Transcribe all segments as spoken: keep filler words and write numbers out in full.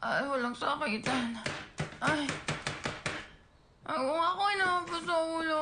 Ay, walang sakitan. Ay. Ay, kung ako ay nakapa sa ulo.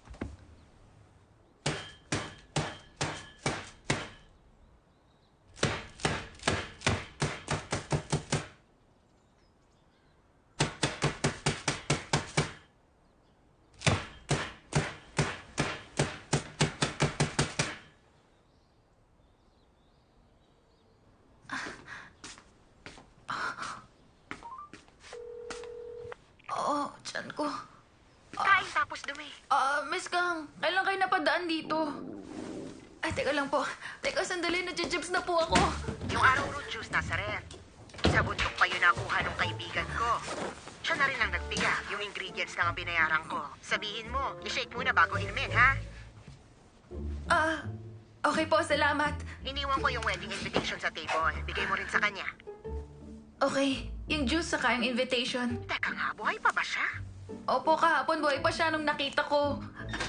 Oo, tiyan ko. Kain tapos dumi. Ah, Miss Kang, kailan kayo napadaan dito? Ay, teka lang po. Teka, sandali, nadjijibs na po ako. Yung arrowroot juice nasa ref. Sa bundok pa yun nakuha ng kaibigan ko. Siya na rin ang nagpiga. Yung ingredients lang ang binayaran ko. Sabihin mo, i-shake muna bago inumin, ha? Ah, okay po, salamat. Iniwan ko yung wedding invitation sa table. Bigay mo rin sa kanya. Okay, yung juice saka yung invitation. Teka nga, buhay pa ba siya? Opo, kahapon buhay pa siya nung nakita ko.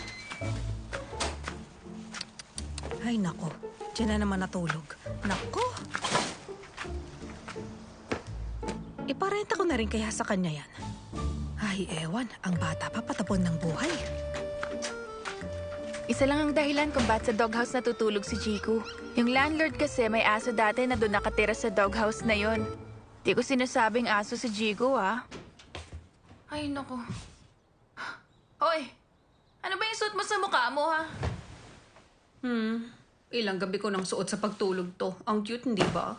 Ay, nako. Diyan na naman natulog. Nako. Iparenta ko na rin kaya sa kanya yan. Ay, ewan. Ang bata pa patapon ng buhay. Isa lang ang dahilan kung ba't sa doghouse natutulog si Jiku. Yung landlord kasi may aso dati na doon nakatira sa doghouse na yon. Di ko sinasabing aso si Jiku, ah. Ay, naku. Hoy, ano ba yung suot mo sa mukha mo, ha? Hmm. Ilang gabi ko nang suot sa pagtulog to. Ang cute, hindi ba?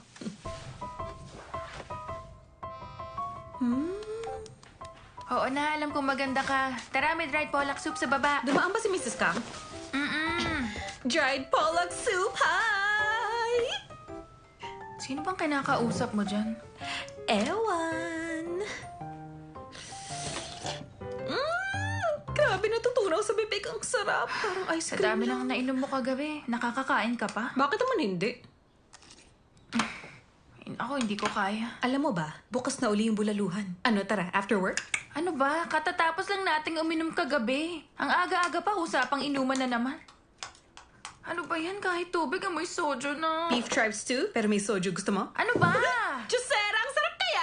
Hmm? Oo na, alam kong maganda ka. Tara, may dried pollock soup sa baba. Dumaan ba si Missus Kang? Mm-mm. Dried pollock soup, hi! Sino bang kinakausap mo dyan? Ewan. Mm, grabe natutunaw sa bibig. Ang sarap. Parang ice Sa cream dami lang. lang nainom mo kagabi. Nakakakain ka pa? Bakit naman hindi? Ako, hindi ko kaya. Alam mo ba, bukas na uli yung bulaluhan. Ano, tara, after work? Ano ba? Katatapos lang nating uminom kagabi. Ang aga-aga pa, usapang inuman na naman. Ano ba yan? Kahit tubig, amoy soju na. Beef tribe stew, pero may soju. Gusto mo? Ano ba? Jusera, ang sarap kaya!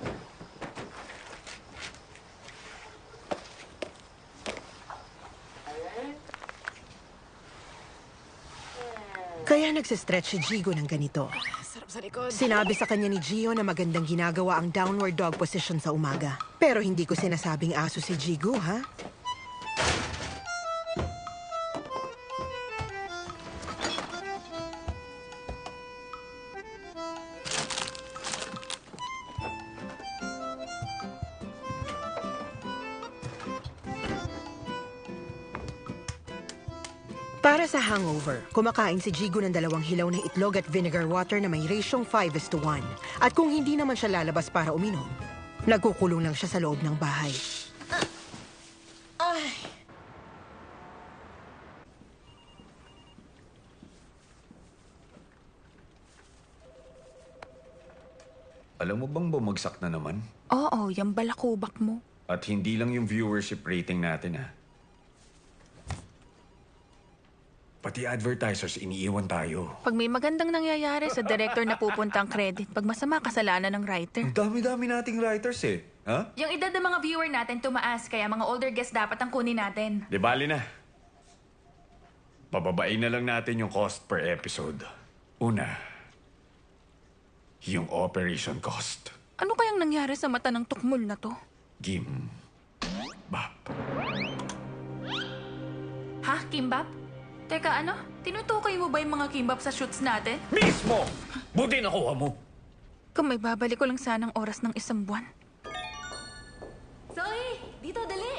Kaya nagsistretch si Jigo ng ganito. Sarap sa likod. Sinabi sa kanya ni Gio na magandang ginagawa ang downward dog position sa umaga. Pero hindi ko sinasabing aso si Jigo, ha? Para sa hangover, kumakain si Jigo ng dalawang hilaw ng itlog at vinegar water na may rasyong five is to one. At kung hindi naman siya lalabas para uminom, nagkukulong lang siya sa loob ng bahay. Ay. Alam mo bang bumagsak na naman? Oo, yung balakubak mo. At hindi lang yung viewership rating natin, ha? Pati advertisers, iniiwan tayo. Pag may magandang nangyayari, sa director na pupunta ang credit. Pag masama, kasalanan ng writer. Ang dami-dami nating writers, eh. Ha? Yung edad ng mga viewer natin tumaas, kaya mga older guests dapat ang kunin natin. Di bali na. Pababain na lang natin yung cost per episode. Una, yung operation cost. Ano kayang nangyari sa mata ng tukmol na to? Gim. Bap. Ha, Kimbap? Teka, ano? Tinutukoy mo ba yung mga kimbap sa shoots natin? Mismo! Buti nakuha mo. Kung may babalik ko lang sanang oras ng isang buwan. Zoe! Dito, dali!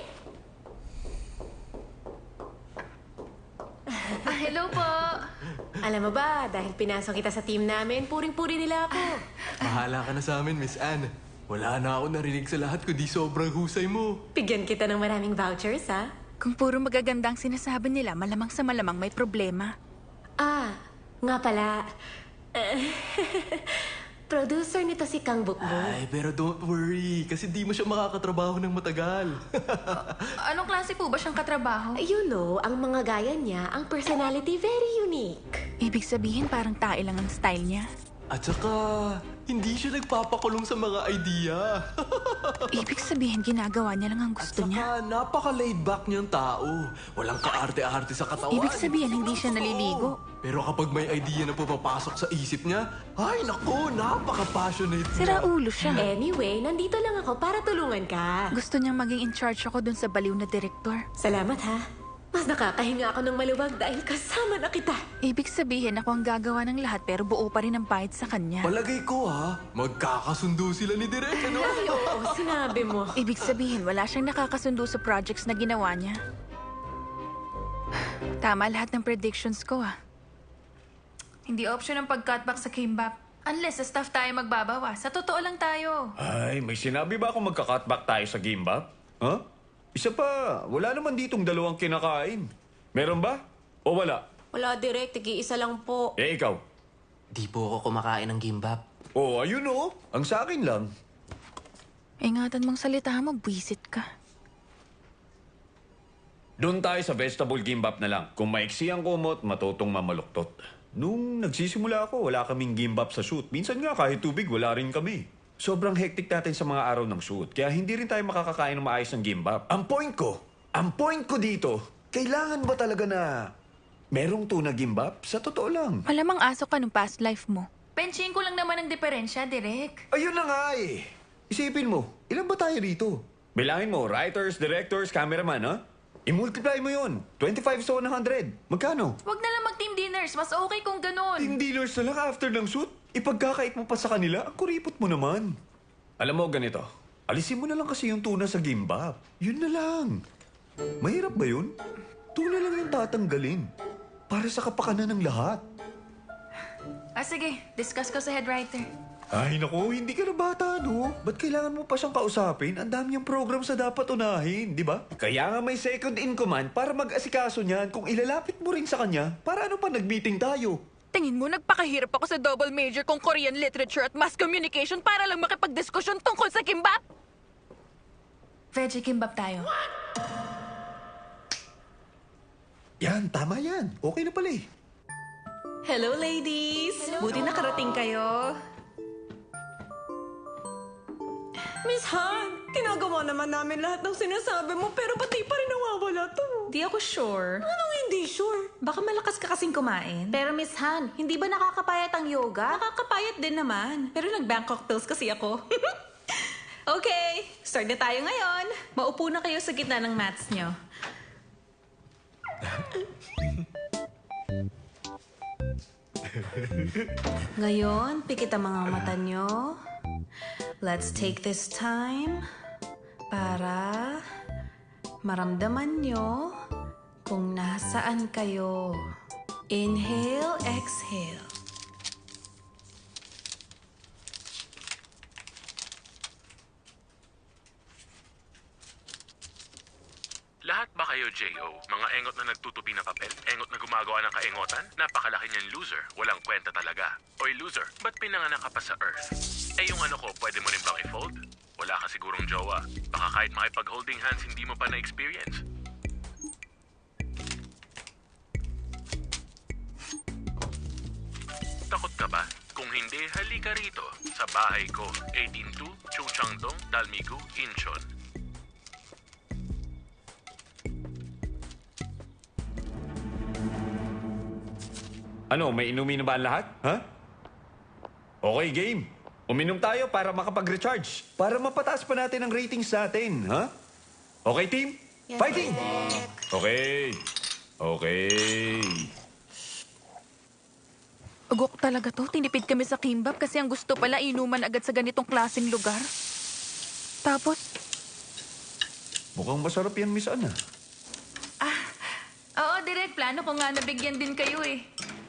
Ah, hello po! Alam mo ba, dahil pinasok kita sa team namin, puring-puri nila ako. Bahala ka na sa amin, Miss Anne. Wala na ako narinig sa lahat kundi sobrang husay mo. Bigyan kita ng maraming vouchers, ha? Kung puro magagandang sinasabi nila, malamang sa malamang may problema. Ah, nga pala. eh, Producer nito si Kang Bukbong. Ay, pero don't worry, kasi di mo siya makakatrabaho ng matagal. Anong klase po ba siyang katrabaho? You know, ang mga gaya niya, ang personality very unique. Ibig sabihin parang tae lang ang style niya. At saka, hindi siya nagpapakulong sa mga idea. Ibig sabihin, ginagawa niya lang ang gusto niya. Saka, napaka-laid back niyang tao. Walang kaarte-arte sa katawan. Ibig sabihin, hindi siya naliligo. Pero kapag may idea na pumapasok sa isip niya, ay naku, napaka-passionate Sira niya. ulo siya. Anyway, nandito lang ako para tulungan ka. Gusto niyang maging in charge ako dun sa baliw na direktor. Salamat ha. Mas nakakahinga ako ng maluwag dahil kasama na kita. Ibig sabihin, ako ang gagawa ng lahat pero buo pa rin ang bayad sa kanya. Palagay ko ha, magkakasundo sila ni Direk, ano? Ay, oo, sinabi mo. Ibig sabihin, wala siyang nakakasundo sa projects na ginawa niya. Tama lahat ng predictions ko ah. Hindi option ang pag-cutback sa kimbap. Unless sa staff tayo magbabawa. Sa totoo lang tayo. Ay, may sinabi ba akong magka-cutback tayo sa gimbap? Ha? Isa pa, wala naman ditong dalawang kinakain. Meron ba? O wala? Wala, Direk. Tigi-isa lang po. Eh, ikaw? Di po ako kumakain ng gimbap. Oh, ayun oh. Ang sa akin lang. Ingatan mong salita mo, buwisit ka. Doon tayo sa vegetable gimbap na lang. Kung maiksi ang kumot, matutong mamaluktot. Nung nagsisimula ako, wala kaming gimbap sa shoot. Minsan nga kahit tubig, wala rin kami. Sobrang hectic natin sa mga araw ng shoot, kaya hindi rin tayo makakakain ng maayos ng gimbap. Ang point ko, ang point ko dito, kailangan ba talaga na merong tuna gimbap? Sa totoo lang. Malamang aso ka nung past life mo. Penching ko lang naman ang diferensya, Direk. Ayun na nga eh. Isipin mo, ilan ba tayo rito? Bilangin mo, writers, directors, cameraman, ha? I-multiply mo yun. twenty-five sa one hundred. Magkano? Wag na lang mag-team dinners. Mas okay kung ganun. Team dealers na lang after ng shoot. Ipagkakait mo pa sa kanila, ang kuripot mo naman. Alam mo, ganito. Alisin mo na lang kasi yung tuna sa gimbap. Yun na lang. Mahirap ba yun? Tuna lang yung tatanggalin. Para sa kapakanan ng lahat. Ah, sige. Discuss ko sa head writer. Ay, naku, hindi ka na bata, no? Ba't kailangan mo pa siyang kausapin? Ang dami niyang program sa dapat unahin, di ba? Kaya nga may second in command para mag-asikaso niyan kung ilalapit mo rin sa kanya. Para ano pa nag-meeting tayo? Tingin mo, nagpakahirap ako sa double major kong Korean literature at mass communication para lang makipagdiskusyon tungkol sa kimbap? Veggie kimbap tayo. Yan, tama yan. Okay na pala eh. Hello, ladies! Buti nakarating kayo. Miss Han, ginagawa naman namin lahat ng sinasabi mo pero pati pa rin nawawala to. Di ako sure. Anong hindi sure? Baka malakas ka kasing kumain. Pero Miss Han, hindi ba nakakapayat ang yoga? Nakakapayat din naman. Pero nag-Bangkok pills kasi ako. Okay, start na tayo ngayon. Maupo na kayo sa gitna ng mats nyo. Ngayon, pikit ang mga mata nyo. Let's take this time para maramdaman nyo kung nasaan kayo. Inhale, exhale. Lahat ba kayo, J O? Mga engot na nagtutupi ng papel? Engot na gumagawa ng kaengotan? Napakalaki niyan, loser. Walang kwenta talaga. Oy, loser, ba't pinanganak ka pa sa Earth? Eh, yung ano ko, pwede mo rin bang i-fold? Wala ka sigurong jowa. Baka kahit makipag-holding hands, hindi mo pa na-experience. Takot ka ba? Kung hindi, halika rito. Sa bahay ko, eighteen two, Chungchangdong, Dalmigu, Incheon. Ano, may inumin na ba ang lahat? Ha? Okay, game. Uminom tayo para makapag-recharge. Para mapataas pa natin ang ratings natin, ha? Okay, team? Yes, Fighting! Direk. Okay. Okay. Ugok talaga to. Tinipid kami sa kimbap kasi ang gusto pala inuman agad sa ganitong klaseng lugar. Tapos, Mukhang masarap yan, Miss Ana. Oo, Direk. Plano ko nga nabigyan din kayo eh.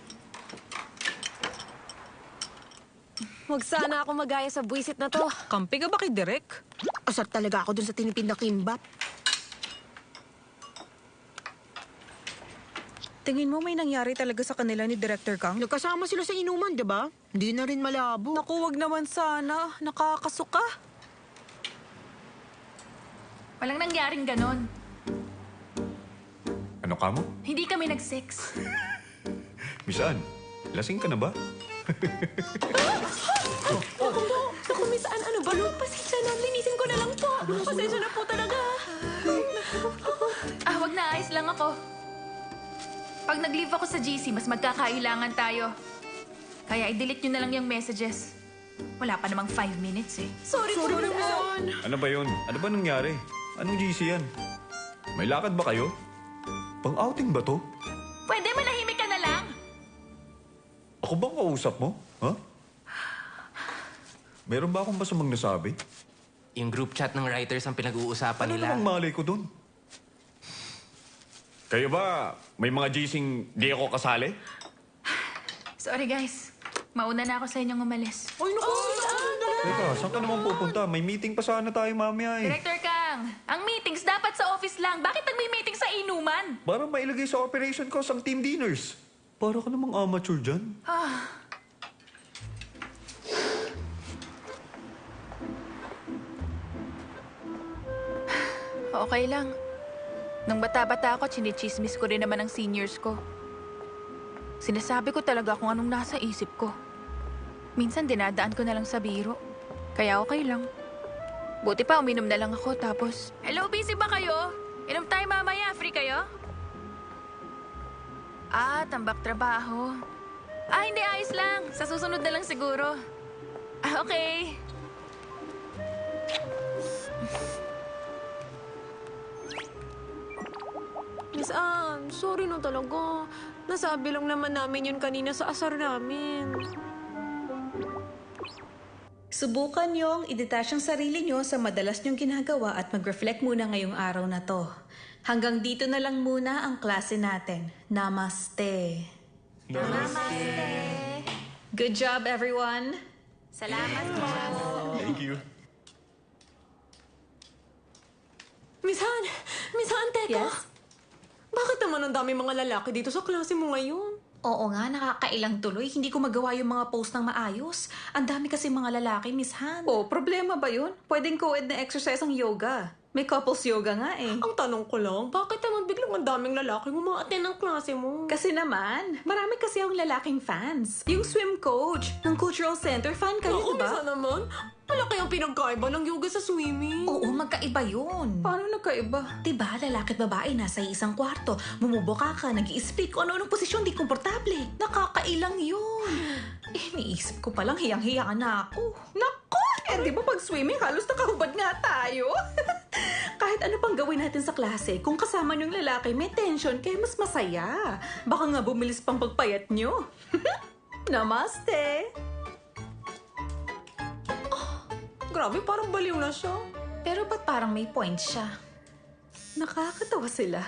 Huwag sana ako magaya sa buwisit na to. Kampi ka ba kay Derek? Asar talaga ako dun sa tinipid na kimbap. Tingin mo may nangyari talaga sa kanila ni Director Kang? Nagkasama sila sa inuman, di ba? Hindi na rin malabo. Naku, wag naman sana. Nakakasuka. Walang nangyaring ganon. Ano ka mo? Hindi kami nag-sex. Miss Ann, lasing ka na ba? Naku, Miss Anne, ano ba? No? Pasensya na, linisin ko na lang po. Pasensya na po talaga. Ah, wag na, ayos lang ako. Pag nag-leave ako sa G C, mas magkakailangan tayo. Kaya i-delete nyo na lang yung messages. Wala pa namang five minutes eh. Sorry, po, Miss Anne. Ano ba yun? Ano ba nangyari? Anong G C yan? May lakad ba kayo? Pang-outing ba to? Pwede manahimik ka na lang. Ako bang kausap mo? Ha? Meron ba akong masamang nasabi? Yung group chat ng writers ang pinag-uusapan Ano nila. namang malay ko doon? Kayo ba, may mga G C'ing di ako kasali? Sorry guys. Mauna na ako sa inyong umalis. Ay, naku, Miss Anne. Teka, saan ka naman pupunta? May meeting pa sana tayo mamaya eh. Director Kang, ang meetings dapat sa office lang. Bakit nagmi-meeting sa inuman? Para mailagay sa operation cost ang team dinners. Para ka namang amateur dyan. Ah, Okay lang. Nung bata-bata ako, chinichismis ko rin naman ang seniors ko. Sinasabi ko talaga kung anong nasa isip ko. Minsan dinadaan ko na lang sa biro. Kaya okay lang. Buti pa uminom na lang ako tapos... hello, busy ba kayo? Inom tayo mamaya. Free kayo? Ah, tambak trabaho. Ah, hindi. Ayos lang. Sa susunod na lang siguro. Ah, okay. Miss Anne, sorry no talaga. Nasabi lang naman namin yun kanina sa asar namin. Subukan niyong i-detach ang sarili niyo sa madalas niyong ginagawa at mag-reflect muna ngayong araw na to. Hanggang dito na lang muna ang klase natin. Namaste. Namaste. Good job, everyone. Salamat po. Thank you. Miss Anne! Miss Anne, teka. Yes? Bakit naman ang dami mga lalaki dito sa klase mo ngayon? Oo nga, nakakailang tuloy. Hindi ko magawa yung mga post ng maayos. Ang dami kasi mga lalaki, Miss Han. Oh, problema ba yun? Pwedeng co-ed na exercise ang yoga. May couples yoga nga eh. Ang tanong ko lang, bakit naman biglang ang daming lalaki umaattend ng klase mo? Kasi naman, marami kasi ang lalaking fans. Yung swim coach ng Cultural Center, fan kayo, Naku, diba? Miss Anne naman. Malaki ang pinagkaiba ng yoga sa swimming. Oo, magkaiba yun. Paano nagkaiba? Diba, lalaki at babae nasa isang kwarto. Bumubuka ka, nag-i-speak kung ano-anong posisyon, di komportable. Nakakailang yun. Eh, niisip ko palang hiyang-hiya na ako. Nako! Eh, di ba pag swimming, halos nakahubad nga tayo. Kahit ano pang gawin natin sa klase, kung kasama yung lalaki, may tension, kaya mas masaya. Baka nga bumilis pang pagpayat nyo. Namaste! Grabe, parang baliw na siya. Pero ba't parang may point siya? Nakakatawa sila.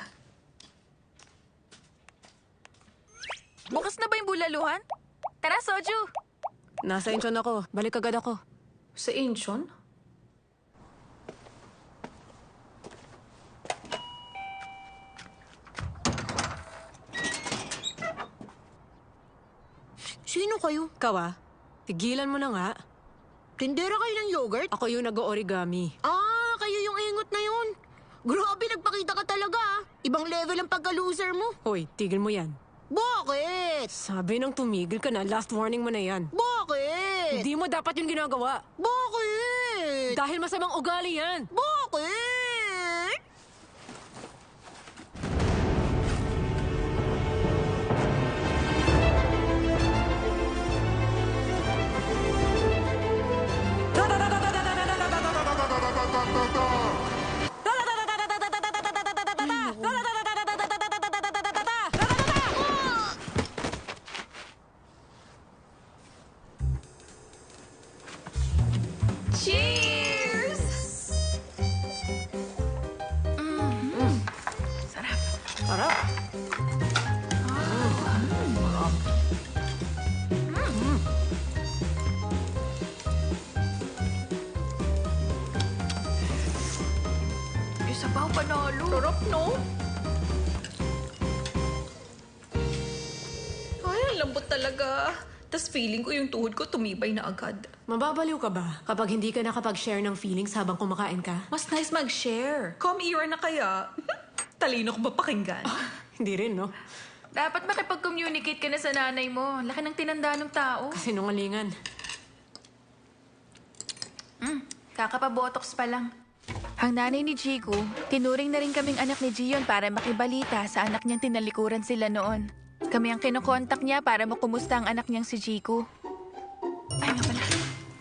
Bukas na ba yung bulaluhan? Tara, Soju! Nasa Incheon ako. Balik agad ako. Sa Incheon? Sino kayo? Kawa, tigilan mo na nga. Tindera kayo ng yogurt? Ako yung nag-origami. Ah, kayo yung ingot na yun. Grabe, nagpakita ka talaga ah. Ibang level ang pagka-loser mo. Hoy, tigil mo yan. Bakit? Sabi nang tumigil ka na, last warning mo na yan. Bakit? Hindi mo dapat yung ginagawa. Bakit? Dahil masamang ugali yan. Bakit? Cheers! Sarap. Sarap. Yung sabaw panalo. Sarap, no? Ay, ang lambot talaga. Tapos feeling ko yung tuhod ko tumibay na agad. Mababaliw ka ba kapag hindi ka nakapag-share ng feelings habang kumakain ka? Mas nice mag-share. Come era na kaya. Talino ko ba pakinggan? Hindi rin, no? Dapat makipag-communicate ka na sa nanay mo. Laki ng tinanda ng tao. Sinungalingan. Hmm, kakapabotox pa lang. Ang nanay ni Jigo, tinuring na rin kaming anak ni Gion para makibalita sa anak niyang tinalikuran sila noon. Kami ang kinokontak niya para makumusta ang anak niyang si Jigo. Ay, nga pala.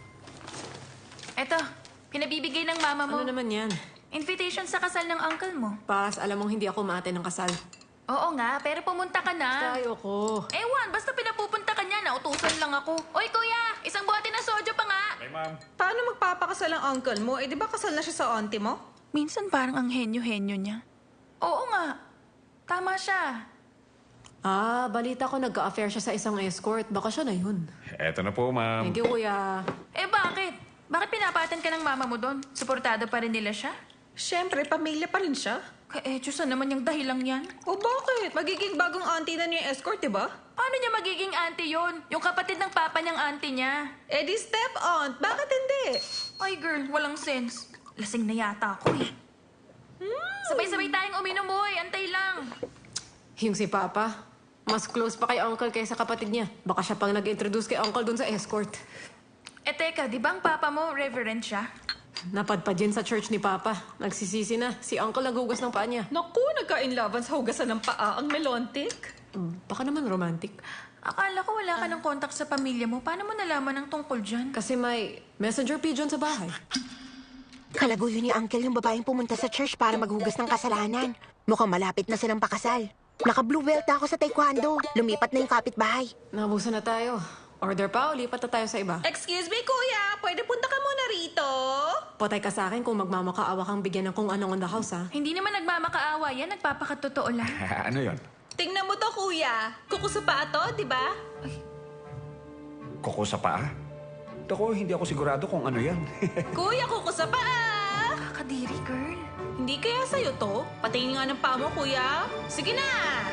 Eto, pinabibigay ng mama mo. Ano naman yan? Invitation sa kasal ng uncle mo. Pas, alam mong hindi ako maate ng kasal. Oo nga, pero pumunta ka na. Ayoko. Ewan, basta pinapupunta ka niya, nautusan lang ako. Oy, kuya, isang bote ng sojo pa nga. Hey, ma'am. Paano magpapakasal ang uncle mo? Eh, di ba kasal na siya sa auntie mo? Minsan parang ang henyo-henyo niya. Oo nga, tama siya. Ah, balita ko nagka-affair siya sa isang escort. Baka siya na yun. Eto na po, ma'am. Thank you, kuya. Eh bakit? Bakit pinapatan ka ng mama mo doon? Suportado pa rin nila siya? Siyempre, pamilya pa rin siya. Ka-etyo naman yung dahilang yan. O bakit? Magiging bagong auntie na niya yung escort, di ba? Paano niya magiging auntie yon? Yung kapatid ng papa niyang auntie niya. Eh di step-aunt. Bakit hindi? Ay girl, walang sense. Lasing na yata ako eh. Sabay-sabay tayong uminom, boy. Antay lang. Yung si Papa, mas close pa kay Uncle kaysa kapatid niya. Baka siya pang nag-introduce kay Uncle dun sa escort. Eh teka, di ba ang papa mo reverend siya? Napadpad yun sa church ni Papa. Nagsisisi na. Si Uncle naghugas ng paa niya. Naku, nagka-inlaban sa hugasan ng paa ang melontic. Hmm, baka naman romantic. Akala ko wala ka ng contact sa pamilya mo. Paano mo nalaman ang tungkol dyan? Kasi may messenger pigeon sa bahay. Kalaguyo ni Uncle yung babaeng pumunta sa church para maghugas ng kasalanan. Mukhang malapit na silang pakasal. Naka-blue belt na ako sa taekwondo. Lumipat na yung kapitbahay. Nabusan na tayo. Order pa o lipat na tayo sa iba? Excuse me, kuya. Pwede punta ka muna rito? Patay ka sa akin kung magmamakaawa kang bigyan ng kung anong on the house, ha? Hindi naman nagmamakaawa yan. Nagpapakatotoo lang. ano yon? Tingnan mo to, kuya. Kuko sa paa to, di ba? Kuko sa paa? Ako, hindi ako sigurado kung ano yan. Kuya, kuko sa paa! Kakadiri, girl. Hindi kaya sa'yo to? Patingin nga ng paa mo, kuya. Sige na!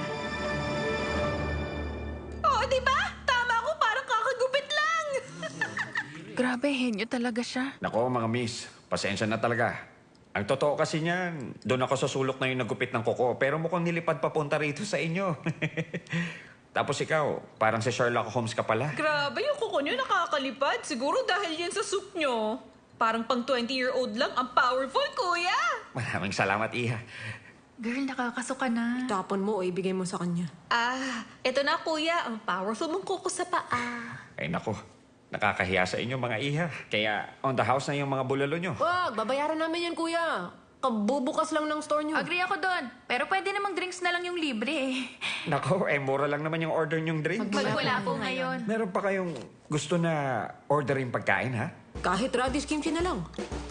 Oo, di ba? Tama ako, parang kakagupit lang! Grabe, henyo talaga siya. Nako, mga miss. Pasensya na talaga. Ang totoo kasi niyan, doon ako sa sulok na yung nagupit ng kuko, pero mukhang nilipad papunta rito sa inyo. Tapos ikaw, parang si Sherlock Holmes ka pala. Grabe, yung kuko nyo nakakalipad. Siguro dahil yan sa soup nyo. Parang pang twenty-year-old lang. Ang powerful, kuya! Maraming salamat, Iha. Girl, nakakasuka na. Tapon mo o ibigay mo sa kanya. Ah, eto na, kuya. Ang powerful mong kuko sa paa. Ay nako, nakakahiya sa inyo mga Iha. Kaya on the house na yung mga bulalo nyo. Wag, babayaran namin yan, kuya. Kabubukas lang ng store nyo. Agree ako doon. Pero pwede namang drinks na lang yung libre eh. Nako, eh mura lang naman yung order nyong drink. Magwala po ngayon. Meron pa kayong gusto na orderin pagkain, ha? Kahit radish kimchi na lang.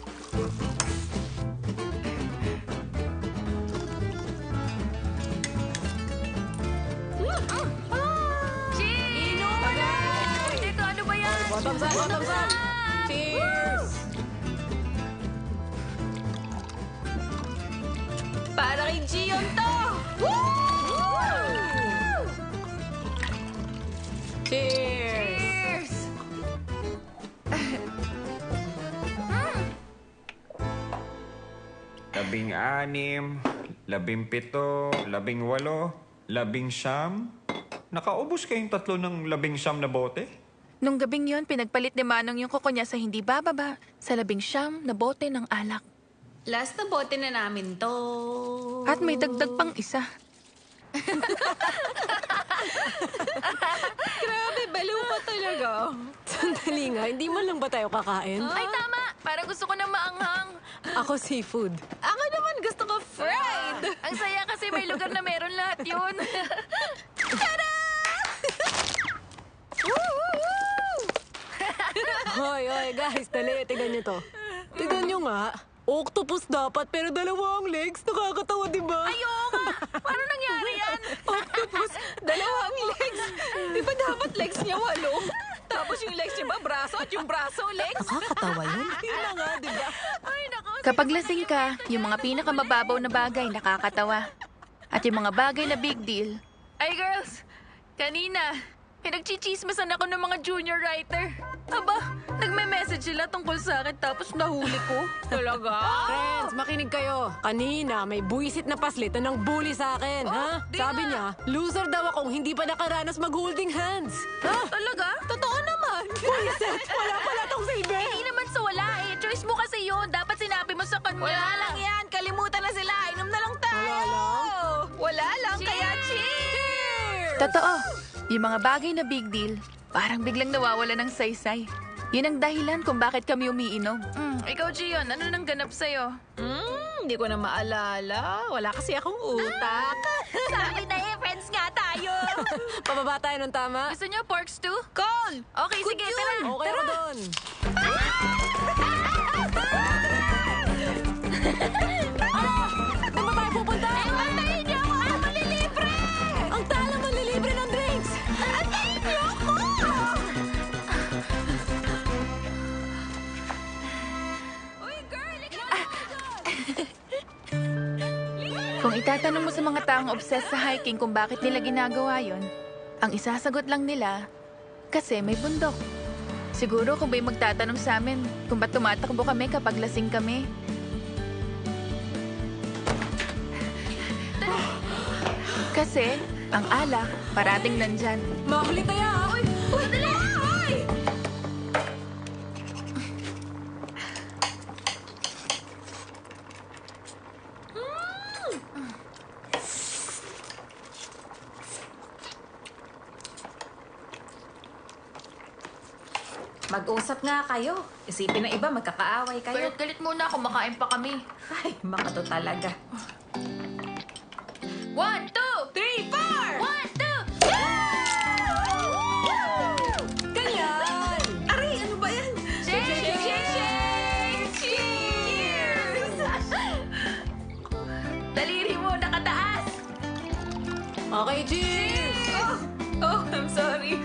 Cheers! Inom mo na! Dito, ano ba yan? Bottoms up, bottoms up! Cheers! Para kay Gion to! Cheers! Cheers! Labing anim, labing pito, labing walo, labing siyam. Nakaubos kayong tatlo ng labing siyam na bote? Nung gabing yon, pinagpalit ni Manong yung kuko niya sa hindi bababa sa labing siyam na bote ng alak. Last na bote na namin to. At may dagdag pang isa. Grabe, baliw ka talaga. Sandali nga, hindi man lang ba tayo kakain? Ay, tama! Parang gusto ko na maanghang. Ako seafood. Ako naman gusto ko fried. Ang saya kasi may lugar na meron lahat yun. Hoy, hoy, guys, dali, tignan nyo to. Tignan nyo nga. Octopus dapat, pero dalawa ang legs. Nakakatawa, di ba? Ayoko! Paano nangyari yan? Octopus, dalawang legs. Di ba dapat legs niya walo? Tapos yung legs niya ba, braso at yung braso, legs? Nakakatawa yun. Yun na nga, di ba? Ay, nako. Kapag lasing ka, yung mga pinakamababaw na bagay nakakatawa. At yung mga bagay na big deal, Ay, girls! Kanina, pinagchichismasan ako ng mga junior writer. Aba, nagme-message sila tungkol sa akin tapos nahuli ko. Talaga? Friends, makinig kayo. Kanina, may buwisit na paslit na nang bully sa akin, ha? di Sabi nga. niya, loser daw akong hindi pa nakaranas mag-holding hands. Ha? Talaga? Totoo naman. Buwisit! Wala pala tong silbi! Hindi naman sa wala eh. Choice mo kasi yun. Dapat sinabi mo sa kanya. Wala lang yan. Kalimutan na sila. Inom na lang tayo. Wala lang? Wala lang. Kaya cheers! Totoo. Yung mga bagay na big deal, parang biglang nawawala ng saysay. Yun ang dahilan kung bakit kami umiinom. Mm, ikaw, Gion, ano nang ganap sa'yo? Hmm, hindi ko na maalala. Wala kasi akong utak. Sabi na eh, friends nga tayo. Pababa tayo ng tama. Gusto niyo pork stew? Call! Okay, sige, tara. Okay ako doon. Saan ba tayo pupunta? Antayin niyo ako! Ang malilibre! Ang tala manlilibre ng drinks! Antayin niyo ako! Uy, girl! Ikaw Kung itatanong mo sa mga taong obsessed sa hiking kung bakit nila ginagawa yon, ang isasagot lang nila, kasi may bundok. Siguro kung may magtatanong sa amin kung ba't tumatakbo kami kapag lasing kami. Kasi ang alak parating nandyan. Mahuli tayo, ha? Uy! Uy! Dali! Uy! Mag-usap nga kayo. Isipin na iba, magkakaaway kayo. Galit-galit muna, kumakain pa kami. Ay, makato talaga. One, two, Three, four! one, two! Ganyan! Aray, ano ba yan? Shake, shake, shake, shake! Cheers! Daliri mo, nakataas! Okay, cheers! Oh, oh, I'm sorry.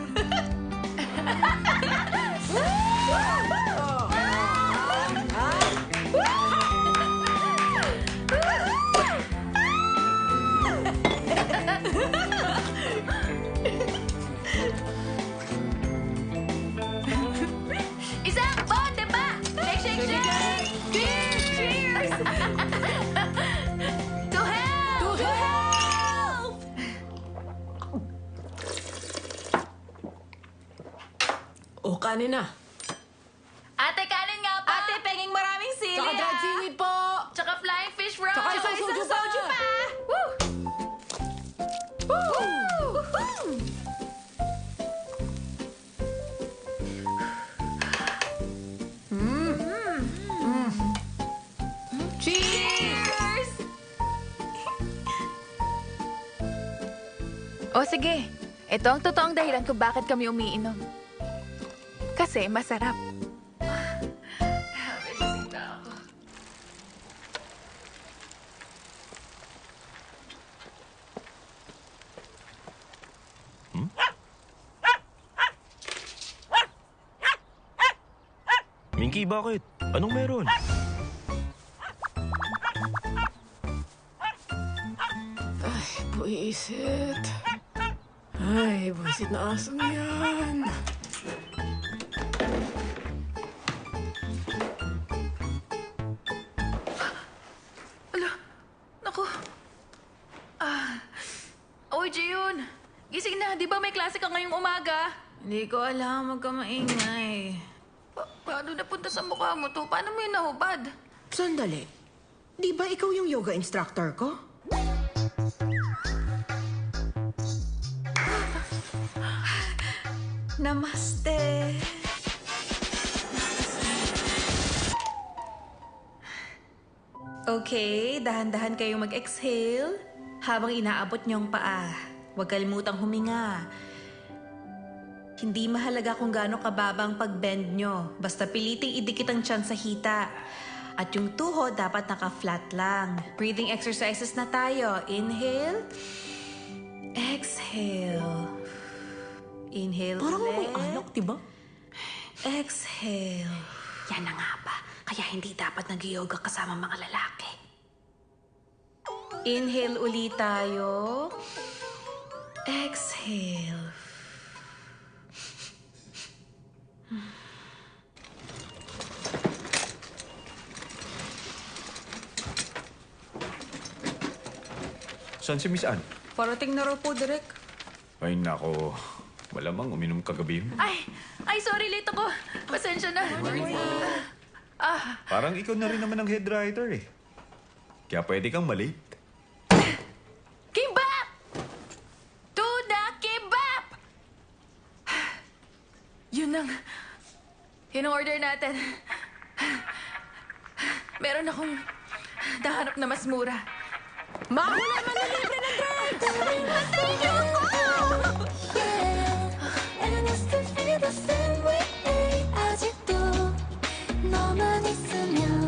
Isang bote pa! Shake, shake, shake! Cheers! Cheers! To help! To help! O, kanin na. Ate, kanin nga pa! Ate, penging maraming sili. Tsaka dried ah. seaweed po! Tsaka flying fish roll! Tsaka isang soju pa! pa! Woo! Woo! Cheers! O sige, ito ang totoong dahilan kung bakit kami umiinom. Kasi masarap. Minky, bakit? Anong meron? Ay, buwisit. Ay, buwisit na asong yan. Naku. Ah. Oy, Jiyun. Gising na. Di ba may klase ka ngayong umaga? Hindi ko alam, huwag ka maingay. Pa- paano napunta sa mukha mo to? Paano mo yun nahubad? Sandali. Di ba ikaw yung yoga instructor ko? Namaste. Okay, dahan-dahan kayong mag-exhale habang inaabot niyong paa. Huwag kalimutang huminga. Hindi mahalaga kung gaano kababa ang pag-bend nyo. Basta piliting idikit ang tiyan sa hita. At yung tuhod dapat naka-flat lang. Breathing exercises na tayo. Inhale. Exhale. Inhale Parang ulit. may alak, diba? Exhale. Yan na nga ba? Kaya hindi dapat nag-yoga kasama mga lalaki. Inhale ulit tayo. Exhale. Saan si Miss Anne? Parating na raw po, Direk. Ay, nako. Malamang uminom kagabi yun. Ay! Ay, sorry, late ako. Pasensya na. Ah, Parang ikaw na rin naman ang head writer eh. Kaya pwede kang malate. Kimbap! To the kimbap! Yun ang... Yun ang order natin. Meron akong dahanap na mas mura. Mahula man na libre ng drugs! Antayin niyo ako! And I still feel the same way. 아직도 너만 있으면